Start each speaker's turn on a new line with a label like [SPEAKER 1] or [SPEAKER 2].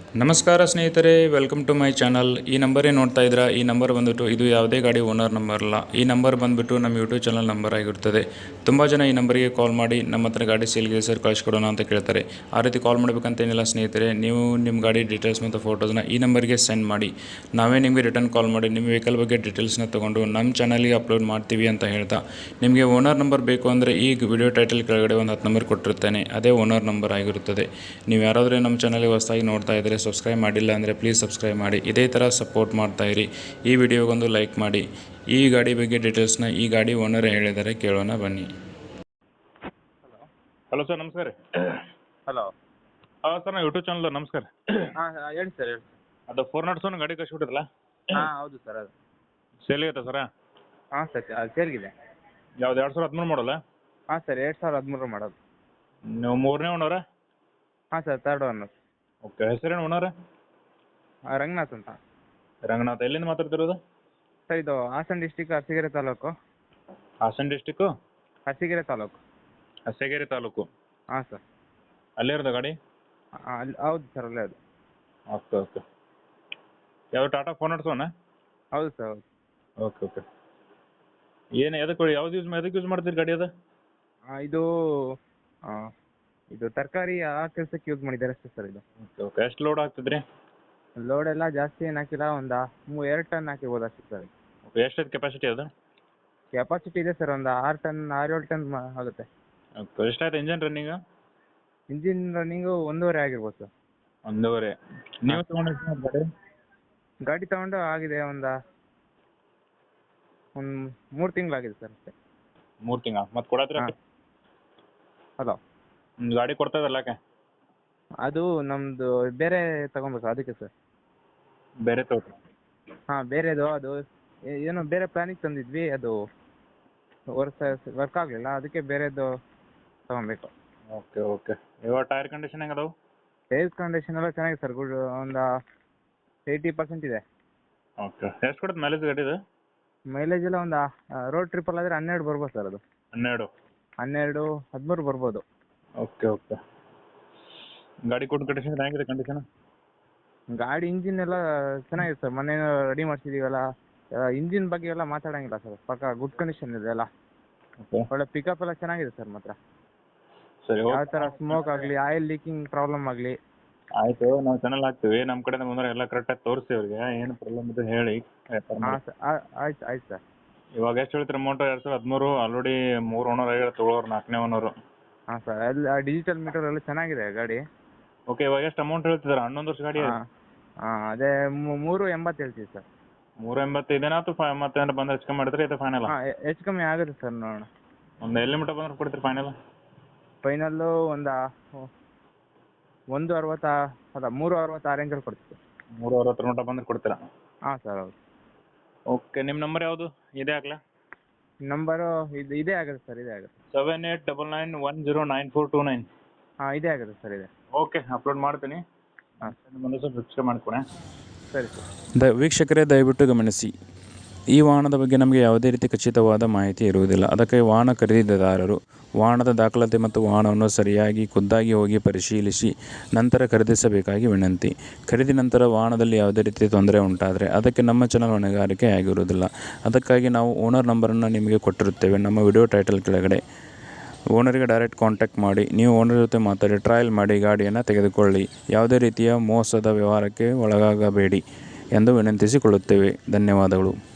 [SPEAKER 1] ನಮಸ್ಕಾರ ಸ್ನೇಹಿತರೆ, welcome to my channel. ಈ ನಂಬರೇ ನೋಡ್ತಾ ಇದ್ದೀರಾ. ಈ ನಂಬರ್ ಬಂದುಬಿಟ್ಟು ಇದು ಯಾವುದೇ ಗಾಡಿ ಓನರ್ ನಂಬರ್ ಅಲ್ಲ. ಈ ನಂಬರ್ ಬಂದುಬಿಟ್ಟು ನಮ್ಮ ಯೂಟ್ಯೂಬ್ ಚಾನಲ್ ನಂಬರ್ ಆಗಿರುತ್ತದೆ. ತುಂಬ ಜನ ಈ ನಂಬರಿಗೆ ಕಾಲ್ ಮಾಡಿ ನಮ್ಮ ಹತ್ರ ಗಾಡಿ ಸೇಲ್ಗೆ ಸರ್ ಕಳಿಸ್ಕೊಡೋಣ ಅಂತ ಕೇಳ್ತಾರೆ. ಆ ರೀತಿ ಕಾಲ್ ಮಾಡಬೇಕಂತೇನಿಲ್ಲ ಸ್ನೇಹಿತರೆ. ನೀವು ನಿಮ್ಮ ಗಾಡಿ ಡೀಟೇಲ್ಸ್ ಮತ್ತು ಫೋಟೋಸ್ನ ಈ ನಂಬರ್ಗೆ ಸೆಂಡ್ ಮಾಡಿ, ನಾವೇ ನಿಮಗೆ ರಿಟರ್ನ್ ಕಾಲ್ ಮಾಡಿ ನಿಮ್ಮ ವೆಹಿಕಲ್ ಬಗ್ಗೆ ಡೀಟೇಲ್ಸ್ನ ತೊಗೊಂಡು ನಮ್ಮ ಚಾನಲ್ಗೆ ಅಪ್ಲೋಡ್ ಮಾಡ್ತೀವಿ ಅಂತ ಹೇಳ್ತಾ, ನಿಮಗೆ ಓನರ್ ನಂಬರ್ ಬೇಕು ಅಂದರೆ ಈ ವಿಡಿಯೋ ಟೈಟಲ್ ಕೆಳಗಡೆ ಒಂದು 10 ನಂಬರ್ ಕೊಟ್ಟಿರ್ತೇನೆ. ಅದೇ ಓನರ್ ನಂಬರ್ ಆಗಿರುತ್ತದೆ. ನೀವು ಯಾರಾದರೂ ನಮ್ಮ ಚಾನಲ್ಗೆ ಹೊಸದಾಗಿ ನೋಡ್ತಾ ಇದ್ದರೆ, ಸಬ್ಸ್ಕ್ರೈಬ್ ಮಾಡಿಲ್ಲ ಅಂದರೆ ಪ್ಲೀಸ್ ಸಬ್ಸ್ಕ್ರೈಬ್ ಮಾಡಿ. ಇದೇ ಥರ ಸಪೋರ್ಟ್ ಮಾಡ್ತಾಯಿರಿ. ಈ ವಿಡಿಯೋಗೊಂದು ಲೈಕ್ ಮಾಡಿ. ಈ ಗಾಡಿ ಬಗ್ಗೆ ಡೀಟೇಲ್ಸ್ನ ಈ ಗಾಡಿ ಓನರ್ ಹೇಳಿದರೆ ಕೇಳೋಣ ಬನ್ನಿ.
[SPEAKER 2] ಹಲೋ ಸರ್, ನಮಸ್ಕಾರ ರೀ.
[SPEAKER 3] ಹಲೋ.
[SPEAKER 2] ಹಾಂ ಸರ್, ನಾವು ಯೂಟ್ಯೂಬ್ ಚಾನಲ್ ನಮಸ್ಕಾರ.
[SPEAKER 3] ಹಾಂ ಹೇಳಿ ಸರ್, ಹೇಳಿ.
[SPEAKER 2] ಅದು 407 ಗಾಡಿ ಕಳಿಸ್ಬಿಟ್ಟಿರಲ್ಲ,
[SPEAKER 3] ಹಾಂ ಹೌದು ಸರ್, ಅದು
[SPEAKER 2] ಸೇಲ್ ಐತೆ ಸರ?
[SPEAKER 3] ಹಾಂ ಸರ್, ಅದು ಸೇಲ್ಗಿದೆ.
[SPEAKER 2] ಯಾವ್ದು 2013 ಮಾಡಲ್ಲ?
[SPEAKER 3] ಹಾಂ ಸರ್, 2013 ಮಾಡೋದು.
[SPEAKER 2] ನೀವು 3ನೇ ಓನರ?
[SPEAKER 3] ಹಾಂ ಸರ್, ಥರ್ಡ್ ಓನರ್.
[SPEAKER 2] ಓಕೆ. ಹೆಸರೇನು ಓನರ?
[SPEAKER 3] ರಂಗನಾಥ್ ಅಂತ.
[SPEAKER 2] ರಂಗನಾಥ್. ಎಲ್ಲಿಂದ ಮಾತಾಡ್ತಿರೋದು?
[SPEAKER 3] ಸರ್, ಇದು ಹಾಸನ ಡಿಸ್ಟಿಕ್, ಅರಸೀಕೆರೆ ತಾಲೂಕು.
[SPEAKER 2] ಹಾಸನ ಡಿಸ್ಟಿಕ್ಕು,
[SPEAKER 3] ಅರಸೀಕೆರೆ ತಾಲೂಕು.
[SPEAKER 2] ಅರಸೀಕೆರೆ ತಾಲೂಕು.
[SPEAKER 3] ಹಾಂ ಸರ್.
[SPEAKER 2] ಅಲ್ಲೇ ಇರೋದು ಗಾಡಿ?
[SPEAKER 3] ಅಲ್ಲಿ ಹೌದು ಸರ್, ಅಲ್ಲೇ ಅದು.
[SPEAKER 2] Okay okay. ಯಾವುದು ಟಾಟಾ 407?
[SPEAKER 3] ಹೌದು ಸರ್, ಹೌದು.
[SPEAKER 2] Okay okay. ಏನು ಎದಕ್ಕೆ ಯಾವ್ದು ಎದಕ್ಕೆ ಯೂಸ್ ಮಾಡ್ತೀರಿ ಗಾಡಿ ಅದು?
[SPEAKER 3] ಇದು ಇದು ತರಕಾರಿ ಆ ಕೆಲಸಕ್ಕೆ ಯೂಸ್ ಮಾಡಿದ್ದಾರೆ ಅಷ್ಟೇ ಸರ್ ಇದು.
[SPEAKER 2] Okay okay. ಎಷ್ಟು ಲೋಡ್ ಆಗ್ತದ್ರಿ?
[SPEAKER 3] ಲೋಡ್ ಎಲ್ಲ ಜಾಸ್ತಿ ಏನು ಹಾಕಿಲ್ಲ, ಒಂದು 2 ಟನ್ ಹಾಕಿಬೋದು ಅಷ್ಟೇ ಸರ್.
[SPEAKER 2] ಓಕೆ. ಎಷ್ಟೈತೆ ಕೆಪಾಸಿಟಿ ಅದು?
[SPEAKER 3] ಕೆಪಾಸಿಟಿ ಇದೆ ಸರ್, ಒಂದು 6-7 ಟನ್ ಆಗುತ್ತೆ.
[SPEAKER 2] ಓಕೆ. ಎಷ್ಟಾಯ್ತು ಇಂಜನ್ ರನ್ನಿಂಗು?
[SPEAKER 3] ಇಂಜಿನ್ ರನ್ನಿಂಗು 1.5 ಆಗಿರ್ಬೋದು ಸರ್.
[SPEAKER 2] 1.5. ನೀವು ತೊಗೊಂಡು ಗಾಡಿ?
[SPEAKER 3] ಗಾಡಿ ತಗೊಂಡು ಆಗಿದೆ ಒಂದು 3 ತಿಂಗಳಾಗಿದೆ ಸರ್ ಅಷ್ಟೇ.
[SPEAKER 2] 3 ತಿಂಗಳ ಮತ್ತೆ ಕೊಡತ್ರಿ?
[SPEAKER 3] ಹಾಂ. ಹಲೋ.
[SPEAKER 2] ಗಾಡಿ ಕೊಡ್ತಾ ಇದ್ದಲ್ಲ ಯಾಕೆ?
[SPEAKER 3] ಅದು ನಮ್ಮದು ಬೇರೆ ತಗೊಬೇಕು ಅದಕ್ಕೆ ಸರ್.
[SPEAKER 2] ಬೇರೆ ತಗೋರಿ?
[SPEAKER 3] ಹಾಂ, ಬೇರೆದು ಅದು ಏನೋ ಬೇರೆ ಪ್ಲಾನಿಗೆ ತಂದಿದ್ವಿ, ಅದು ವರ್ಕ್ ಆಗಲಿಲ್ಲ, ಅದಕ್ಕೆ ಬೇರೆದು ತಗೊಬೇಕು.
[SPEAKER 2] Okay okay. ಇವಾಗ ಟೈರ್ ಕಂಡೀಷನ್ ಹೆಂಗೆ ಅದಾವು?
[SPEAKER 3] ಟೈರ್ ಕಂಡೀಷನ್ ಎಲ್ಲ ಚೆನ್ನಾಗಿದೆ ಸರ್, ಗುಡ್, ಒಂದು 80% ಇದೆ.
[SPEAKER 2] ಓಕೆ. ಎಷ್ಟು ಕೊಡುತ್ತೆ ಮೈಲೇಜ್ ಗಾಡಿದು?
[SPEAKER 3] ಮೈಲೇಜ್ ಎಲ್ಲ ಒಂದು ರೋಡ್ ಟ್ರಿಪ್ಪಲ್ಲಿ ಆದರೆ 12 ಬರ್ಬೋದು ಸರ್. ಅದು
[SPEAKER 2] 12,
[SPEAKER 3] 13 ಬರ್ಬೋದು.
[SPEAKER 2] Okay okay. ಗಾಡಿ ಕೊಟ್ಟು ಕಂಡೀಷನ್ ಹೆಂಗಿದೆ ಕಂಡೀಷನ್?
[SPEAKER 3] ಗಾಡಿ ಇಂಜಿನ್ ಎಲ್ಲ ಚೆನ್ನಾಗಿದೆ ಸರ್, ಮೊನ್ನೆ ರೆಡಿ ಮಾಡಿಸಿದೀವಲ್ಲ. ಇಂಜಿನ್ ಬಗ್ಗೆ ಎಲ್ಲ ಮಾತಾಡೋಂಗಿಲ್ಲ ಸರ್, ಪಕ್ಕ ಗುಡ್ ಕಂಡೀಷನ್ ಇದೆ ಎಲ್ಲ.
[SPEAKER 2] ಓಕೆ.
[SPEAKER 3] ಒಳ್ಳೆ ಪಿಕಪ್ ಎಲ್ಲ ಚೆನ್ನಾಗಿದೆ ಸರ್ ಮಾತ್ರ.
[SPEAKER 2] ಸರಿ,
[SPEAKER 3] ಯಾವ ಥರ ಸ್ಮೋಕ್ ಆಗಲಿ, ಆಯಿಲ್ ಲೀಕಿಂಗ್ ಪ್ರಾಬ್ಲಮ್ ಆಗಲಿ.
[SPEAKER 2] ಆಯಿತು. ನಾವು ಚಾನಲ್ ಹಾಕ್ತೀವಿ, ನಮ್ಮ ಕಡೆಯಿಂದ ಬಂದರೆ ಎಲ್ಲ ಕರೆಕ್ಟಾಗಿ ತೋರಿಸಿ ಅವ್ರಿಗೆ ಏನು ಪ್ರಾಬ್ಲಮ್ ಇದೆ ಹೇಳಿ.
[SPEAKER 3] ಹಾಂ ಸರ್, ಆಯ್ತು ಸರ್.
[SPEAKER 2] ಇವಾಗ ಎಷ್ಟು ಹೇಳ್ತೀರಿ ಅಮೌಂಟು? 2013 ಆಲ್ರೆಡಿ 3 ಓನರ್ ಆಗಿರೋ, ತೊಗೊಳೋರು 4ನೇ ಓನರು.
[SPEAKER 3] ಹಾಂ ಸರ್, ಅಲ್ಲಿ ಡಿಜಿಟಲ್ ಮೀಟರ್ ಎಲ್ಲ ಚೆನ್ನಾಗಿದೆ ಗಾಡಿ.
[SPEAKER 2] ಓಕೆ. ಇವಾಗ ಎಷ್ಟು ಅಮೌಂಟ್ ಹೇಳ್ತಿದ್ದಾರೆ? 11 ವರ್ಷ ಗಾಡಿ?
[SPEAKER 3] ಹಾಂ ಅದೇ 3.80 ಹೇಳ್ತೀವಿ ಸರ್.
[SPEAKER 2] 3.80 ಇದೇನಾ ಅಥವಾ ಮತ್ತೆ ಬಂದರೆ ಹೆಚ್ಚು ಕಮ್ಮಿ ಮಾಡಿದ್ರೆ ಇದು ಫೈನಲ್?
[SPEAKER 3] ಹಾಂ, ಹೆಚ್ಚು ಕಮ್ಮಿ ಆಗುತ್ತೆ ಸರ್, ನೋಡೋಣ.
[SPEAKER 2] ಒಂದು ಎಲ್ಲಿ ಮಟ್ಟ ಬಂದ್ರೆ ಕೊಡ್ತೀರಿ ಫೈನಲ್?
[SPEAKER 3] ಫೈನಲ್ಲು ಒಂದು 1.60 ಅಲ್ಲ 3.60 ಆ ರೇಂಜಲ್ಲಿ ಕೊಡ್ತೀವಿ.
[SPEAKER 2] 3.60 ಮಟ್ಟ ಬಂದ್ರೆ ಕೊಡ್ತೀರಾ?
[SPEAKER 3] ಹಾಂ ಸರ್, ಹೌದು.
[SPEAKER 2] ಓಕೆ. ನಿಮ್ಮ ನಂಬರ್ ಯಾವುದು? ಇದೇ ಹಾಕ್ಲಾ?
[SPEAKER 3] ನಂಬರು ಇದೇ ಆಗುತ್ತೆ ಸರ್, ಇದೇ ಆಗುತ್ತೆ.
[SPEAKER 2] 7899109429.
[SPEAKER 3] ಹಾಂ, ಇದೇ ಆಗುತ್ತೆ ಸರ್, ಇದೆ.
[SPEAKER 2] ಓಕೆ, ಅಪ್ಲೋಡ್ ಮಾಡ್ತೀನಿ.
[SPEAKER 3] ಹಾಂ
[SPEAKER 2] ಬಂದು ಸ್ವಲ್ಪ ರಿಜಿಸ್ಟರ್ ಮಾಡಿಕೊಡಿ.
[SPEAKER 3] ಸರಿ ಸರ್.
[SPEAKER 1] ವೀಕ್ಷಕರೇ, ದಯವಿಟ್ಟು ಗಮನಿಸಿ, ಈ ವಾಹನದ ಬಗ್ಗೆ ನಮಗೆ ಯಾವುದೇ ರೀತಿ ಖಚಿತವಾದ ಮಾಹಿತಿ ಇರುವುದಿಲ್ಲ. ಅದಕ್ಕೆ ವಾಹನ ಖರೀದಿದಾರರು ವಾಹನದ ದಾಖಲಾತಿ ಮತ್ತು ವಾಹನವನ್ನು ಸರಿಯಾಗಿ ಖುದ್ದಾಗಿ ಹೋಗಿ ಪರಿಶೀಲಿಸಿ ನಂತರ ಖರೀದಿಸಬೇಕಾಗಿ ವಿನಂತಿ. ಖರೀದಿ ನಂತರ ವಾಹನದಲ್ಲಿ ಯಾವುದೇ ರೀತಿ ತೊಂದರೆ ಉಂಟಾದರೆ ಅದಕ್ಕೆ ನಮ್ಮ ಚಾನಲ್ ಹೊಣೆಗಾರಿಕೆ ಆಗಿರುವುದಿಲ್ಲ. ಅದಕ್ಕಾಗಿ ನಾವು ಓನರ್ ನಂಬರನ್ನು ನಿಮಗೆ ಕೊಟ್ಟಿರುತ್ತೇವೆ ನಮ್ಮ ವಿಡಿಯೋ ಟೈಟಲ್ ಕೆಳಗಡೆ. ಓನರಿಗೆ ಡೈರೆಕ್ಟ್ ಕಾಂಟ್ಯಾಕ್ಟ್ ಮಾಡಿ, ನೀವು ಓನರ್ ಜೊತೆ ಮಾತಾಡಿ ಟ್ರಯಲ್ ಮಾಡಿ ಗಾಡಿಯನ್ನು ತೆಗೆದುಕೊಳ್ಳಿ. ಯಾವುದೇ ರೀತಿಯ ಮೋಸದ ವ್ಯವಹಾರಕ್ಕೆ ಒಳಗಾಗಬೇಡಿ ಎಂದು ವಿನಂತಿಸಿಕೊಳ್ಳುತ್ತೇವೆ. ಧನ್ಯವಾದಗಳು.